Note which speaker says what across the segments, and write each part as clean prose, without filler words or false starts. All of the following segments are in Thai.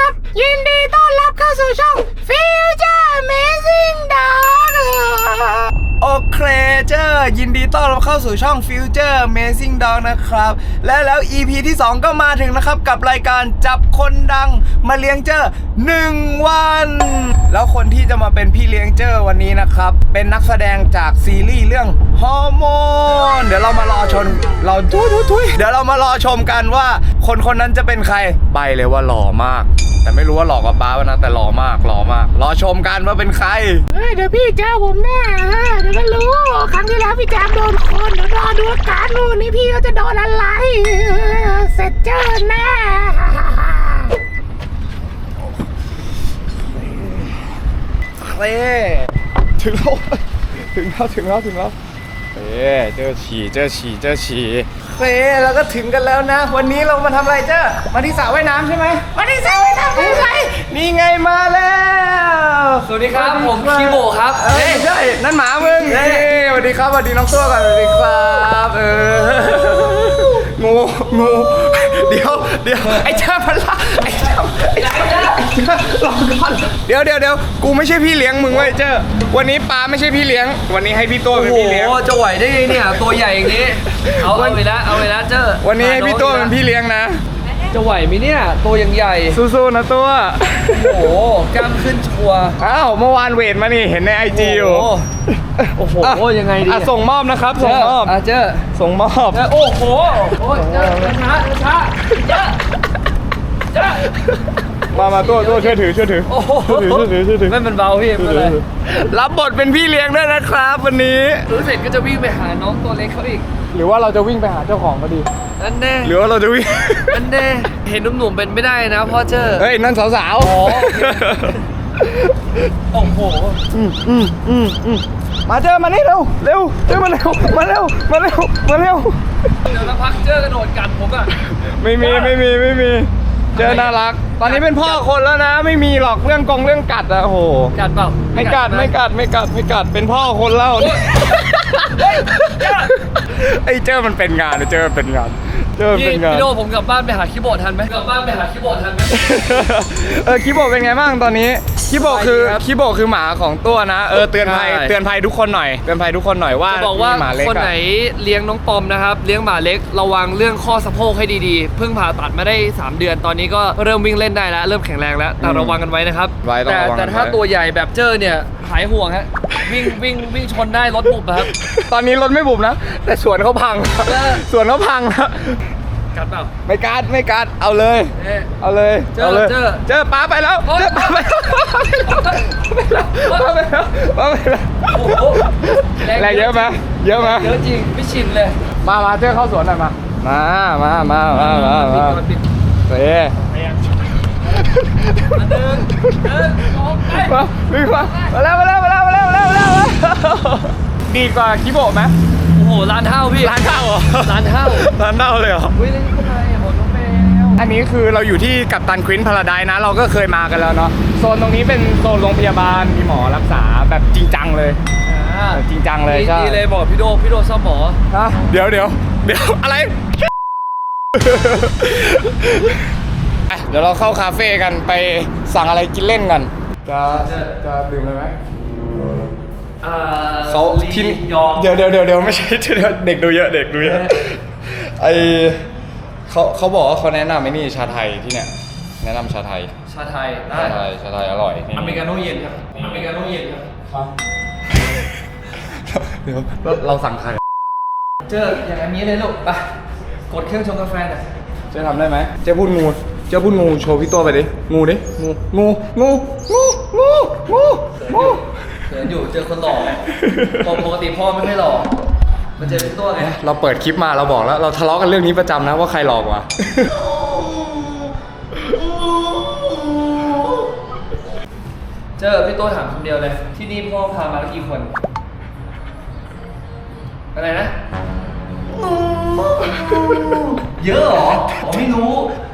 Speaker 1: ยินดีต้อนรับเข้าสู่ช่อง Future Amazing Dog
Speaker 2: โอเคเจอยินดีต้อนรับเข้าสู่ช่อง Future Amazing Dog นะครับแล้ว EP ที่ 2 ก็มาถึงนะครับกับรายการจับคนดังมาเลี้ยงเจอ1 วันแล้วคนที่จะมาเป็นพี่เลี้ยงเจอวันนี้นะครับเป็นนักแสดงจากซีรีส์เรื่องฮอร์โมนเดี๋ยวเรามารอชมเดี๋ยวเรามารอชมกันว่าคนนั้นจะเป็นใครไปเลยว่าหล่อมากแต่ไม่รู้ว่าหล่อกว่าป้าป่ะนะแต่หล่อมากรอชมกันว่าเป็นใคร
Speaker 1: เดี๋ยวพี่เจอผมแน่เดี๋ยวก็รู้ ครั้งที่แล้วพี่แจมโดนคนเดี๋ยวรอดูอาการวันนี้พี่เขาจะโดนอะไรเสร็จเจอแน่
Speaker 2: เต้ถึงแล้วเจอฉี่เแล้วก็ถึงกันแล้วนะ วันนี้เรามาทำอะไรเจ้ามาที่สระว่ายน้ำใช่ไหมมาที่สระว่ายน้ำเป็นไรนี่ไงมาแล้ว
Speaker 3: สวัสดีครับผมคีโบครับ
Speaker 2: ใช่นั่นหมามึงสวัสดีครับสวัสดีน้องตัวก่อนสวัสดีครับงูเดี๋ยวไอ้เจ้าพันละลองก่อนเดี๋ยวกูไม่ใช่พี่เลี้ยงมึงเว้ยเจ้าวันนี้ปาไม่ใช่พี่เลี้ยงวันนี้ให้พี่ตัวเป็นพี่เลี้ยง
Speaker 3: โอ้จะไหวได้ไงเนี่ยตัวใหญ่อย่างนี้เอาไปแล้วเจ้า
Speaker 2: วันนี้ให้พี่ตัวเป็นพี่เลี้ยงนะ
Speaker 3: จะไหวไหมเนี่ยตัวยังใหญ่
Speaker 2: สู้ๆนะตัว
Speaker 3: โอ้โหกล้ามขึ้นชัว
Speaker 2: อ้าวเมื่อวานเวทมานี่เห็นในไอจีอยู่
Speaker 3: โอ้โหยังไงดี
Speaker 2: ส่งมอบนะครับส่งมอบ
Speaker 3: เจ้า
Speaker 2: ส่งมอบ
Speaker 3: โอ้โหเจ้าช้าเจ้า
Speaker 2: มาตัวช่วยถือ
Speaker 3: โอ้โหไม่เป็นเบาพี่ไม่เป็นไร
Speaker 2: รับบทเป็นพี่เลี้ยงด้วยนะครับวันนี้
Speaker 3: รู้เสร็จก็จะวิ่งไปหาน้องตัวเล็กเขาอีก
Speaker 2: หรือว่าเราจะวิ่งไปหาเจ้าของก็ดี
Speaker 3: นั่นแน่
Speaker 2: หรือว่าเราจะวิ่ง
Speaker 3: นั่นแน่เห็นหนุ่มๆเป็นไม่ได้นะพ่อเจ้า
Speaker 2: เฮ้ยนั่นสาว
Speaker 3: โอ้โห
Speaker 2: มาเจอมานี่เร็วเจอมาเร็วเดี๋ยว
Speaker 3: พักเจอกระโดดกัดผมอ่ะ
Speaker 2: ไม่มีเจอน่ารักตอนนี้เป็นพ่อคนแล้วนะไม่มีหรอกเรื่องกัดอะโอ้โห
Speaker 3: กัดเปล่า
Speaker 2: ไม่กัดเป็นพ่อคนแล้วไอ้เจอมันเป็นงาน
Speaker 3: พี่โดผมกลับบ้านไปหาคีย์บอร์ดทันไหมคีย์บอร์ด
Speaker 2: เป็นไงบ้างตอนนี้คีย์บอร์ดคือหมาของตัวนะเตือนภัยทุกคนหน่อยว่า
Speaker 3: จะบอกว่าคนไหนเลี้ยงน้องปอมนะครับเลี้ยงหมาเล็กระวังเรื่องข้อสะโพกให้ดีๆเพิ่งผ่าตัดมาได้3 เดือนตอนนี้ก็เริ่มวิ่งเล่นได้แล้วเริ่มแข็งแรงแล้วแต่ระวังกันไว้นะครับแต่ถ้าตัวใหญ่แบบเจอเนี่ยหายห่วงฮะวิ่งชนได้รถบุบครับ
Speaker 2: ตอนนี้รถไม่บุบนะแต่สวนเขาพังนะ
Speaker 3: กัดเปล่า
Speaker 2: ไม่กัดเอาเลยเจอป้าไปแล้วแรงเยอะไหมเยอะ
Speaker 3: จริงไม่ชินเลย
Speaker 2: มาเจอเข้าสวนหน่อยมาเซ่วิ่งมาแล้วดีกว่าคิโบะไหม
Speaker 3: โอ้โหร้านเท่าพี่
Speaker 2: ร้านเท่าเลยเหรอ
Speaker 3: วิ่งเล่นคนไหนโหน้องแมว
Speaker 2: อันนี้คือเราอยู่ที่กัปตันควินพาราไดซ์นะเราก็เคยมากันแล้วเนาะโซนตรงนี้เป็นโซนโรงพยาบาลมีหมอรักษาแบบจริงจังเลยจริงจังเลยใช่
Speaker 3: ดีเลยบอกพี่โดชอบหมอ
Speaker 2: เดี๋ยวอะไรเดี๋ยวเราเข้าคาเฟ่กันไปสั่งอะไรกินเล่นกันจะดื่มอะไรไหมเขาที่เดี๋ยวไม่ใช่เด็กดูเยอะไอเขาบอกว่าเขาแนะนำไอ้นี่ชาไทยที่เนี่ยแนะนำชาไทยอร่อย
Speaker 3: อเมริกาโน่เย็นครับ
Speaker 2: เดี๋ยวเราสั่งใคร
Speaker 3: เจออย่างนี้เลยลูกไปกดเครื่องชงกาแฟหน่อย
Speaker 2: จะทำได้ไหมเจ้าพูดงูโชว์พี่ตัวไปดิงูเ
Speaker 3: ขินอยู่เจอคนหล่อปกติพ่อไม่ค่อยหล่อมันเจอพี่ตัวไง
Speaker 2: เราเปิดคลิปมาเราบอกแล้วเราทะเลาะกันเรื่องนี้ประจำนะว่าใครหลอกวะ
Speaker 3: เจอพี่ตัวถามคำเดียวเลยที่นี่พ่อพามาแล้วกี่คนอะไรนะเยอะเหรอผมไม่รู้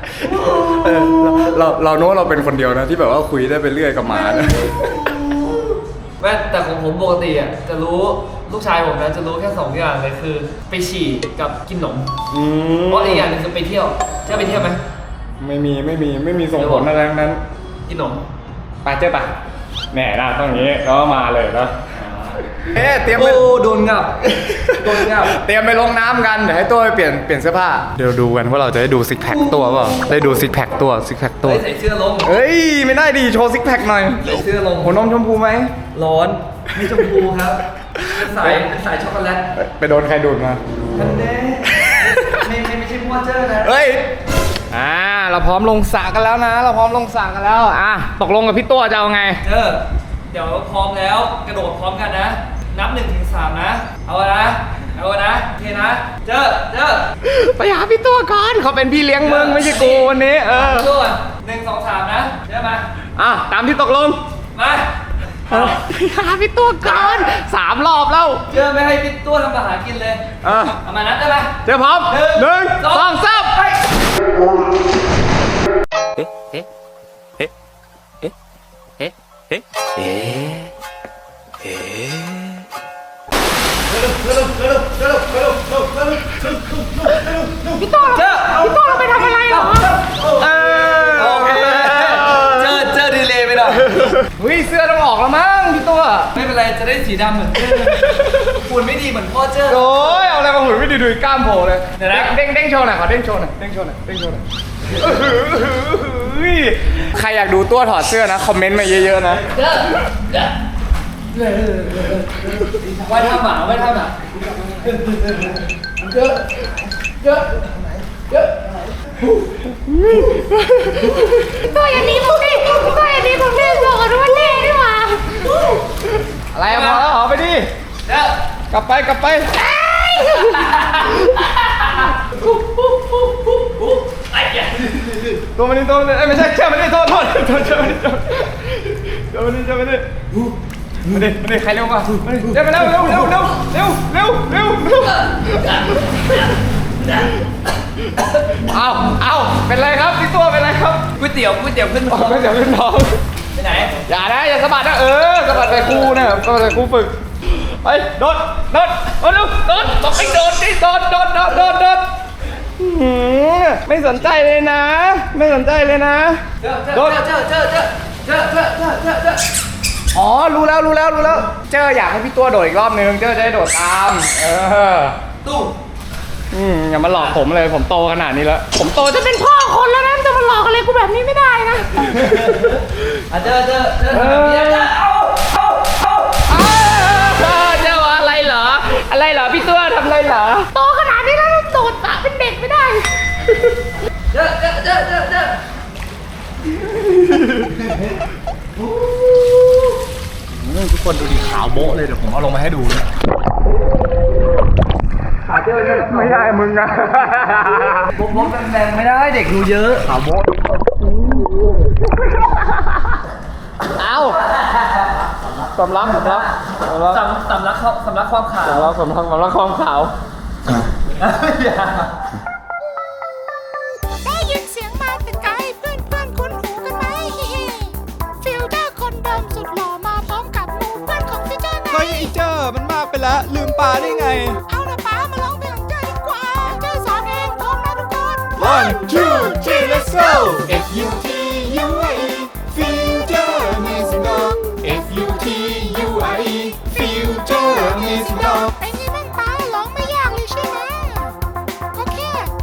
Speaker 2: เราโน้ตเราเป็นคนเดียวนะที่แบบว่าคุยได้ไปเรื่อยกับหมานะ
Speaker 3: แม่แต่ของผมปกติอ่ะจะรู้ลูกชายผมนะจะรู้แค่2 อย่างเลยคือไปฉี่กับกินขนมเพราะอีกอย่างนึงคือไปเที่ยวจะไปเที่ยวไหม
Speaker 2: ไม่มีส่งผลอะไรทั้งนั้น
Speaker 3: กินนม
Speaker 2: ไปเจ๊ไปแหน่นะต้องอย่างนี้แล้วก็มาเลยนะเตรียมไป
Speaker 3: โอ้โดนงับ โดนงับ
Speaker 2: เตรียมไปลงน้ำกันเดี๋ยวให้ตัวไปเปลี่ยนเสื้อผ้าเดี๋ยวดูกันว่าเราจะได้ดูซิกแพคตัวเปล่าได้ดูซิกแพคตัว
Speaker 3: ใส่เสื้อลง
Speaker 2: เฮ้ยไม่ได้ดีโชว์ซิกแพคหน่อย
Speaker 3: ใส่เสื้อลง
Speaker 2: หัวนมชมพูไหม
Speaker 3: ร้อนไม่ชมพูครับเป็นสายช็อกโกแลต
Speaker 2: ไปโดนใครดูดมา
Speaker 3: ทันเด้ไม่ใช่พ่อเจ้อนะ
Speaker 2: เฮ้ยเราพร้อมลงสระกันแล้วนะ เราพร้อมลงสระกันแล้วตกลงกับพี่ตัวจะเอาไง
Speaker 3: เดี๋ยวพร้อมแล้วกระโดดพร้อมกันนะ นับ1 ถึง 3นะเอานะโอเคนะเจ้อ
Speaker 2: ไปหาพี่ตัวก่อนเขาเป็นพี่เลี้ยงมึงไม่ใช่กูวันนี้
Speaker 3: ตัว1 2 3นะเจ้อมา
Speaker 2: ตามที่ตกลง
Speaker 3: มา
Speaker 2: หาพี่ตัวก่อน3 รอบแล้ว
Speaker 3: เจ้อไม่ให้พี่ตัวทำอาหารกินเลยเอามานัดได้ไหม
Speaker 2: เดี๋ยวพร้อม1 2 3ไป
Speaker 1: พี่โต้เราไปทำอะไรเหรอ
Speaker 3: โอเคเจอดีเลยไปหน่อย
Speaker 2: เสื้อต้องออกแล้วมั้งพี่ตัว
Speaker 3: ไม่เป็นไรจะได้สีดำเหมือนเจ้อฝุ่นไม่ดีเหมือนพ่อเจ้อ
Speaker 2: โอ้ยเอาอะไรมาหุ่นไม่ดีดูกล้ามโผล่เลย
Speaker 3: เดี๋ยวนะ
Speaker 2: เด้งโชว์หน่อยขอเด้งโชว์หน่อยใครอยากดูตัวถอดเสื้อนะคอมเมนต์มาเยอะๆนะ
Speaker 3: ไว้ท่าหมา
Speaker 1: ตัวอย่างนี้ผมดิบอกกันว่าเน่ดีกว่า
Speaker 2: อะไรพอแล้วหอไปดิกลับไปตัวมันนี่ไม่ใช่เชื่อมันนี่โทษเชื่อมันนี่มาดิใครเร็วกว่าเร็วเอาเป็นไรครับพี่ตัวเป็นไรครับ
Speaker 3: ก๋วยเตี๋ยวขึ้น
Speaker 2: ไม่เดี๋ยวขึ้นท้อง
Speaker 3: ไปไหน
Speaker 2: อย่าสะบัดนะสะบัดไปครูนะสะบัดไปครูฝึกไปโดดบอกให้โดดดิโดดไม่สนใจเลยนะโดดอ๋อรู้แล้วเจออยากให้พี่ตัวโดดอีกรอบนึงเจอจะได้โดดตาม
Speaker 3: ตู้
Speaker 2: อย่ามาหลอกผมเลยผมโตขนาดนี้แล้วผมโต
Speaker 1: จะเป็นพ่อคนแล้วนะจะมาหลอกอะไรกูแบบนี้ไม่ได้นะ
Speaker 3: เจอ
Speaker 2: เจ้าอะไรเหรอพี่ตัวทำอะไรเหรอ
Speaker 1: โตขนาดนี้แล้วโดดสระเป็นเด็กไม่ได้
Speaker 3: เจอ
Speaker 2: ทุกคนดูดิขาวโบ๊ะเลยเดี๋ยวผมเอาลงมาให้ดูเลยไม่ได้มึงอะ
Speaker 3: บกแรงไม่ได้เด็กดูเยอะ
Speaker 2: ขาวโบ๊ะเอาสำลักความขาว
Speaker 3: สำลักความขาว
Speaker 1: ได้ยินเสียงมาแต่ไกลเพื่อนคุ้นหูกันไหมฟิลเตอร์คนเดิมสุดหล่อมาพร้อมกับหมู่เพื่อนของพี่เจ้าไง
Speaker 2: เฮ้ยไอ้เจ้ามันมากไปแล้วลืมปลาได้ไง
Speaker 1: เอาละป้ามาร้องเพลงของเจ้าดีกว่าเจ้าสอนเองพร้อมนะทุกคน
Speaker 2: 1 2 3 let's go FUTURE Future Amazing Dog FUTURE Future Amazing Dog
Speaker 1: เป็นไงบ้างป้าร้องไม่ยากเลยใช่ไหมโอเค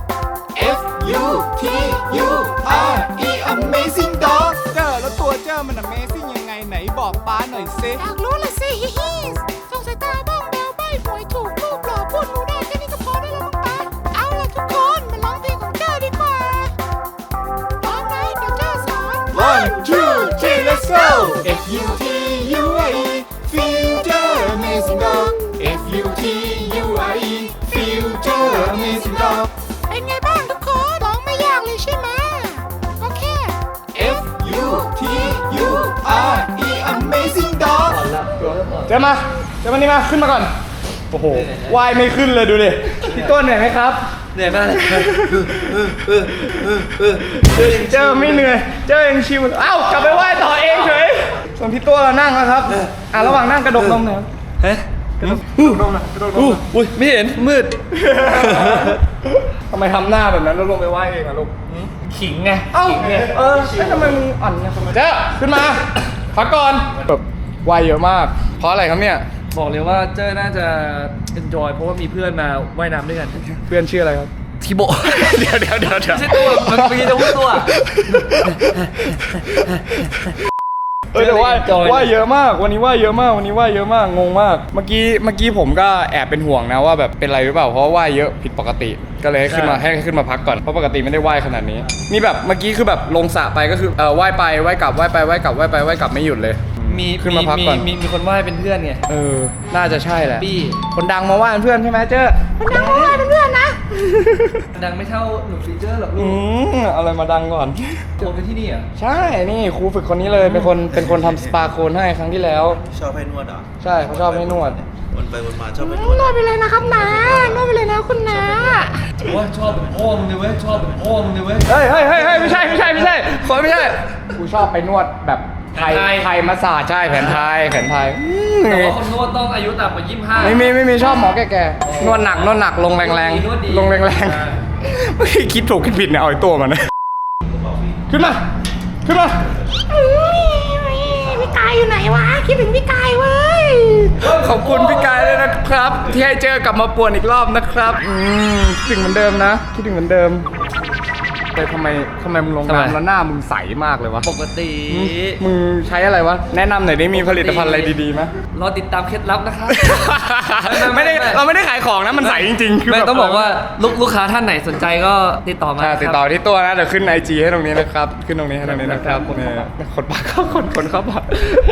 Speaker 2: FUTURE Amazing Dog เจ้าแล้วตัวเจ้ามัน Amazing ยังไงไหนบอกป้าหน่อยสิ
Speaker 1: อยากรู้ละสิฮิฮิสงสัยตาบ้องแบวใบ้หวยถูกรูปหล่อพูดรู้ได้แค่นี้ก็พอได้แล้วมั้งป้าเอาล่ะทุกคนมาร้องเพลงของเจ้าดีกว่าพร้อมไหมเดี๋ยวเจ้าสอน
Speaker 2: 1 2 3 let's go FUTURE Future Amazing Dog FUTURE Future Amazing Dog
Speaker 1: เป็นไงบ้างทุกคนร้องไม่ยากเลยใช่ไหมโอเค
Speaker 2: FUTURE Amazing Dog เจอมานี่มาขึ้นมาก่อนโอ้โหว่ายไม่ขึ้นเลยดูดิพี่ต้นเหนื่อยไหมครับ
Speaker 3: เหนื่อยมากเลย
Speaker 2: เจอไม่เหนื่อยเจอยังชิวเอ้ากลับไปว่ายต่อเองเฉยส่วนพี่ตัวเรานั่งแล้วครับระหว่างนั่งกระดกนมหน่อยครับ
Speaker 3: เฮ้ย
Speaker 2: กระดกนมหน่อยกระดกนมหน่อย
Speaker 3: อุ้ยไม่เห็นมืด
Speaker 2: ทำไมทำหน้าแบบนั้นแล้วลงไปว่ายเองอะลูก
Speaker 3: ขิงไง
Speaker 2: เอ้า
Speaker 3: ขิงไง
Speaker 2: ทำไมมึงอ่อนเนี่ยเจ้าขึ้นมาพักก่อนแบบว่ายเยอะมาก เพราะอะไรครับเนี่ย
Speaker 3: บอกเลยว่าเจ้น่าจะ enjoy เพราะว่ามีเพื่อนมาว่ายน้ำด้วยกัน
Speaker 2: เพื่อนชื่ออะไรครับ
Speaker 3: ทิโบ
Speaker 2: เดี๋ยว
Speaker 3: ไม่ใช่ตัวมันเมื่อกี้จะพูดตัว
Speaker 2: แต่ว่ายเยอะมากวันนี้ว่ายเยอะมากงงมากเมื่อกี้ผมก็แอบเป็นห่วงนะว่าแบบเป็นไรหรือเปล่าเพราะว่าว่ายเยอะผิดปกติก็เลยให้ขึ้นมาพักก่อนเพราะปกติไม่ได้ว่ายขนาดนี้นี่แบบเมื่อกี้คือแบบลงสระไปก็คือว่ายไปว่ายกลับว่ายไปว่ายกลับว่ายไปว่ายกลับไม่หยุดเลยขึ้นมาพักก่อน
Speaker 3: มีคนว่ายเป็นเพื่อนไง
Speaker 2: น่าจะใช่แหละ
Speaker 3: บี้
Speaker 2: คนดังมาว่ายเป็นเพื่อนใช่ไหมเจ้
Speaker 1: คนดังมาว่าเป็นเพื่อนนะ
Speaker 3: ดังไม่เท่าหนุ่มฟีเจอร์หรอกลูก
Speaker 2: เอาอะไรมาดังก่อน
Speaker 3: โคนกันที่นี่อ่ะ
Speaker 2: ใช่นี่ครูฝึกคนนี้เลยเป็นคนทำสปาโคนให้ครั้งที่แล้ว
Speaker 4: ชอบให้นวดเหรอ
Speaker 2: ใช่เขาชอบให้นวด
Speaker 4: วนไปวนมาชอบให้น
Speaker 1: น
Speaker 4: วด
Speaker 1: วดไปเลยนะครับนานวดไปเลยนะคุณนา
Speaker 3: ว่าชอบเป็นพ่อมึงเลยเว้ยชอบเป็นพ่อมึงเลยเว้ย
Speaker 2: เฮ้ยไม่ใช่คนไม่ใช่กูชอบไปนวดแบบไทยมาสซาจใช่แผนไทย
Speaker 3: แต่ว่าคนนวดต้องอายุต่ำกว่า25
Speaker 2: ไม่มีชอบหมอแก่ๆนวดหนักลงแรง
Speaker 3: นวดดี
Speaker 2: ลงแรงๆไม่คิดถูกคิดผิดเนี่ยเอาไอ้ตัวมันนะขึ้นมา
Speaker 1: พี่กายอยู่ไหนวะคิดถึงพี่กายเว้ย
Speaker 2: ขอบคุณพี่กายเลยนะครับ ที่ให้เจอกลับมาป่วนอีกรอบนะครับคิดถึงเหมือนเดิมนะคิดถึงเหมือนเดิมแต่ทำไมมึงลงน้ำแล้วหน้ามึงใสมากเลยวะ
Speaker 3: ปกติ
Speaker 2: มึงใช้อะไรวะแนะนำหน่อยได้มีผลิตภัณฑ์อะไรดีๆไหม
Speaker 3: รอติดตามเคล็ดลับนะครับ
Speaker 2: เราไม่ได้ขายของนะมันใสจริงๆคือ
Speaker 3: ไม่
Speaker 2: แบบ
Speaker 3: ต้องบอกว่าลูกค้าท่านไหนสนใจก็ติดต่อมา
Speaker 2: ติดต่อที่ตัวนะเดี๋ยวขึ้น IG ให้ตรงนี้นะครับขึ้นตรงนี้ให้ตรงนี้นะครับคนปากเข้าคนเข้าปาก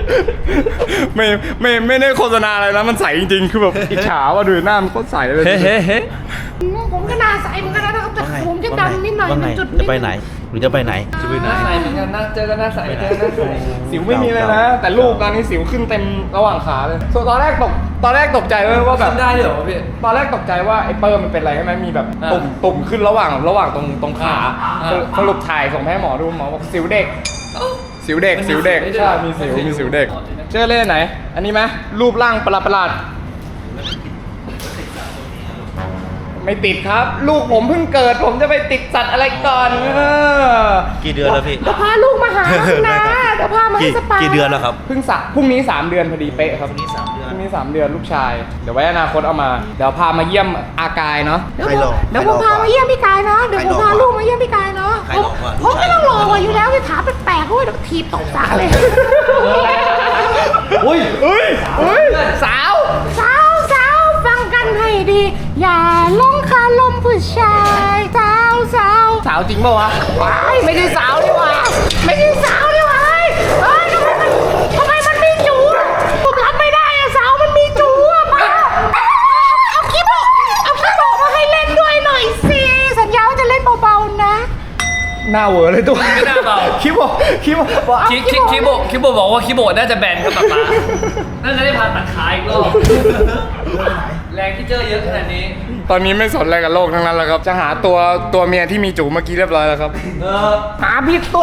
Speaker 2: ไม่ได้โฆษณาอะไรนะมันใสจริงๆคือแบบอิจฉาว่าดูหน้ามันโคตรใสเลย
Speaker 1: ผมก็หนาใสเหมือนกันนะครับแต่ผมจะดำนิดหน่อย
Speaker 4: ว่าไง
Speaker 1: จุด
Speaker 4: จะไปไหนหรือจะไปไหน
Speaker 3: หน้าใสเหมือนกันหน้าเจอกันหน้าใสเจอหน้าใส
Speaker 2: สิวไม่มีเลยนะ แต่ลูกตอนนี้สิวขึ้นเต็มระหว่างขาเลยส่วนตอนแรกตกใจเลยว่าแบบ
Speaker 3: ทำได้ด้วยเหรอพี่
Speaker 2: ตอนแรกตกใจว่าไอ้เปิร์มันเป็นอะไรใช่ไหมมีแบบ
Speaker 3: อ่า
Speaker 2: ตุ่มขึ้นระหว่างตรงขา
Speaker 3: อ่า
Speaker 2: สรุปถ่ายส่งให้หมอดูหมอบอกสิวเด็ก สิวเด็ก
Speaker 3: มันมีสิวได้ด้วย
Speaker 2: ใช่มีสิวเด็กเชื่อเล่นไหน อันนี้ไหมรูปร่างประหลาดไม่ติดครับ ลูกผมเพิ่งเกิดผมจะไปติดสัตว์อะไรก่อน
Speaker 4: กี่เดือนแล้วพี่
Speaker 1: เดี๋ยวพาลูกมาหาคุณนาเดี๋ยวพามาให้สปา
Speaker 4: กี่เดือนแล้วครับ
Speaker 2: พรุ่งนี้3 เดือนพอดีเป๊ะครับ
Speaker 4: พรุ่งนี้3 เดือน
Speaker 2: พรุ่งนี้3 เดือนลูกชายเดี๋ยวไว้อนาคตเอามาเดี๋ยวพามาเยี่ยมอากายเนาะ
Speaker 1: เดี๋ยว
Speaker 4: ใครหลอก
Speaker 1: เดี๋ยวผมพามาเยี่ยมพี่กายเนาะเดี๋ยวผมพาลูกมาเยี่ยมพี่กายเนาะ
Speaker 4: ใครหลอกวะ
Speaker 1: ผมไม่ต้องรอว่ะอยู่แล้วที่ถามแปลกๆด้วยเดี๋ยวถีบตกสระเลย
Speaker 3: อุ้ย
Speaker 1: สาวฟังกันให้ดี อย่าหลงคาลมผู้ชายสาว
Speaker 2: จริงป่าวะ
Speaker 1: ว้ายไม่ใช่สาวนี่หว่าไม่ใช่สาวนี่หว่าเฮ้ยทำไมมันมีจูอะผมรับไม่ได้อะสาวมันมีจูอะป้าเอาคลิปมาให้เล่นด้วยหน่อยสิสัญญาว่าจะเล่นเบาๆนะ
Speaker 2: หน้าเวอร์เลยตัว
Speaker 3: ไม่น่าเบา
Speaker 2: คิโบ
Speaker 3: คิโบบอกว่าคิโบน่าจะแบนครับป๊าป๊าน่าจะได้ผ่าตัดขาอีกรอบแรงที่เจอเยอะขนาดนี้
Speaker 2: ตอนนี้ไม่สนอะไรกับโลกทั้งนั้นแล้วครับจะหาตัวเมียที่มีจูเมื่อกี้เรียบร้อยแล้วครับ หาผิดตัว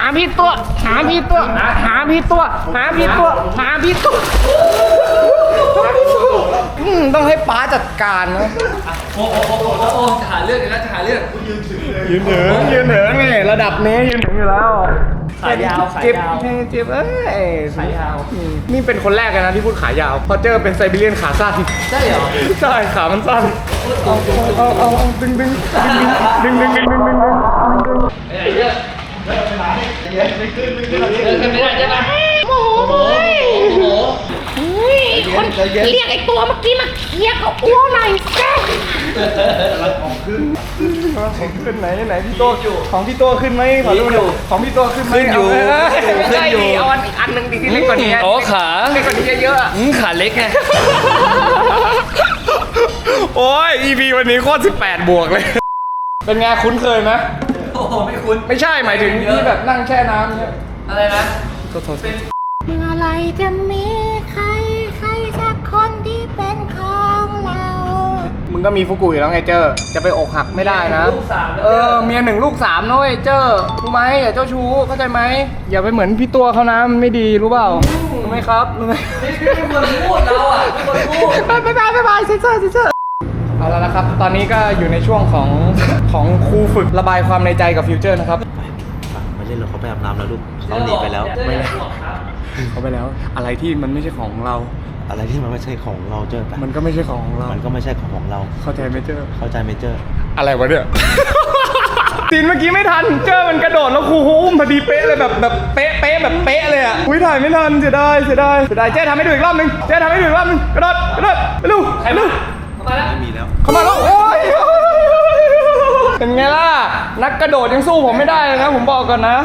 Speaker 2: ต้องให้ป๊าจัดการนะ
Speaker 3: โอ้จะหาเรื่องกันแล้วจะหาเรื่อง
Speaker 2: ยืนถึงนี่ระดับนี้ยืนถึงอยู่แล้ว
Speaker 3: ขายาว
Speaker 2: เจ็บขายาวนี่เป็นคนแรกเลยนะที่พูดขายาวพอเจอเป็นไซบีเรียนขาสั้น
Speaker 3: ใช่เหรอ
Speaker 2: ใช่ขามันสั้นเอาดึง
Speaker 3: ไอ้เรื่องเดินไม่ได้ใช่ไหม
Speaker 1: โอ้โหคนเรียกไอ้ตัวเมื่อกี้มาเคลียร์กับอ้วหน่อยสิ
Speaker 2: ขึ้นไหนพี่โตของพี่โตขึ้นไหมขอดูหน่อยของพี่โตขึ้นไหมขึ้นอยู่เอาอันหนึ่งดีที่เล็กกว่านี้
Speaker 3: อ๋อขา
Speaker 2: เล็กกว่านี้เยอะๆ
Speaker 3: ขาเล็กไง
Speaker 2: โอ้ย EP วันนี้โคตร18 บวกเลย เป็นไงคุ้นเคยไหม
Speaker 3: โอ้โหไม่คุ้น
Speaker 2: ไม่ใช่หมายถึงที่แบบนั่งแช่น้ำเนี่ย
Speaker 3: อะไรนะ
Speaker 2: โทษ
Speaker 1: เมื่อไรจะมีใครสักคนที่เป็นของเรา
Speaker 2: มึงก็มีฟุกุอยู่แล้วไงเจอจะไปอกหักไม่ได้นะ
Speaker 3: ลูกสามแล้ว
Speaker 2: เมีย1 ลูก 3นะเว้ยเจอรู้ไหมอย่าเจ้าชู้เข้าใจไหมอย่าไปเหมือนพี่ตัวเขานะมันไม่ดีรู้เปล่ารู้ไหมครับรู้ไหม
Speaker 3: ไม่ควรพูดเราอ่ะไม่ควรพูด
Speaker 1: บ๊ายบายเซ็นเซอร์
Speaker 2: เอาแล้วนะครับ ตอนนี้ก็อยู่ในช่วงของครูฝึกระบายความในใจกับฟิวเจอร์นะครับ
Speaker 4: ไม่เล่นหรอกเขาไปอาบน้ำแล้วลูกเขาหนีไปแล้ว
Speaker 2: ไม่ได้เขาไปแล้ว อะไรที่มันไม่ใช่ของเรา
Speaker 4: อะไรที่มันไม่ใช่ของเราเจอไป
Speaker 2: มันก็ไม่ใช่ของเรา
Speaker 4: มันก็ไม่ใช่ของเรา
Speaker 2: เข้าใจไหมเจอ
Speaker 4: เข้าใจไหมเจอ
Speaker 2: อะไรวะเนี่ย ซีนเมื่อกี้ไม่ทัน เจอมันกระโดดแล้วครูอุ้มพอดีเป๊ะเลยแบบเป๊ะแบบเป๊ะเลยอ่ะอุ้ยถ่ายไม่ทันเสียดายเจ๊ทำให้ดูอีกรอบนึงกระโดดไปลูก
Speaker 3: มาแล้ว
Speaker 4: ไม่มีแล้ว
Speaker 2: เข้ามาแล้วโอ้ยเป็นไงล่ะ นักกระโดดยังสู้ผมไม่ได้เลยนะผมบอกก่อนนะ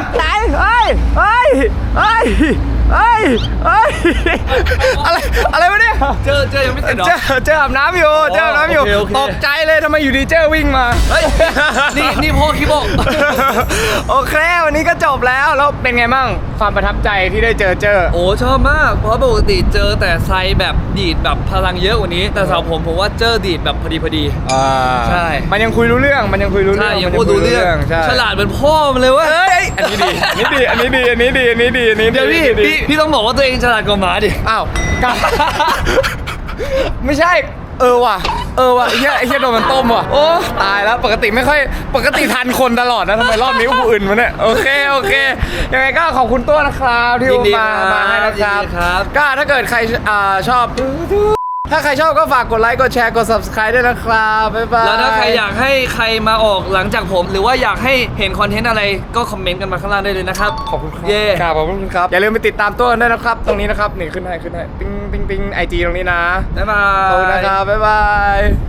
Speaker 2: อะไรวะเนี่ย
Speaker 3: เจอยังไม่เสร็จเหรอ
Speaker 2: เจออาบน้ำอยู่
Speaker 3: โอเค
Speaker 2: ตกใจเลยทำไมอยู่ดีเจอวิ่งมา
Speaker 3: เฮ้ยนี่พ่อคิโบะ
Speaker 2: โอเควันนี้ก็จบแล้วเป็นไงมั่งความประทับใจที่ได้เจอ
Speaker 3: โอ้ชอบมากเพราะปกติเจอแต่ไซแบบดีดแบบพลังเยอะกว่านี้ แต่สำหรับผมว่าเจอดีดแบบพอดี ใช่
Speaker 2: มันยังคุยรู้เรื่อง
Speaker 3: ใช่ยังพูดรู้เรื่อง
Speaker 2: ใช่
Speaker 3: ฉลาดเหมือนพ่อมันเลยเว้ย
Speaker 2: เอ้ยอันนี้ดีอันนี้ดี
Speaker 3: เดี๋ยวพี่ต้องบอกว่าตัวเองฉลาดกว่าหมาดิ
Speaker 2: อ้าวกลับ ไม่ใช่ว่ะไอ้เหี้ยโดนมันต้มว่ะโอ้ตายแล้วปกติทันคนตลอดนะทำไมรอบนี้กูอื่นมาเนี่ยโอเคยังไงก็ขอบคุณตัวนะครับที่
Speaker 3: ยินดี
Speaker 2: มาให้นะครับ
Speaker 3: ยินดีครับ
Speaker 2: ก็ถ้าเกิดใครชอบ ถ้าใครชอบก็ฝากกดไลค์กดแชร์กด subscribe ด้วยนะครับบ๊ายบาย
Speaker 3: แล้วถ้าใครอยากให้ใครมาออกหลังจากผม หรือว่าอยากให้เห็นคอนเทนต์อะไรก็คอมเมนต์กันมาข้างล่างได้เลยนะครับ
Speaker 2: ขอบคุณครับ
Speaker 3: เย่
Speaker 2: ครับขอบคุณครับอย่าลืมไปติดตามตัวกันด้วยนะครับ ตรงนี้นะครับนี่ขึ้นให้ติ๊งไอจีตรงนี้นะ
Speaker 3: บ๊ายบา
Speaker 2: ขอบคุณ
Speaker 3: ย
Speaker 2: นะครับบ๊ายบาย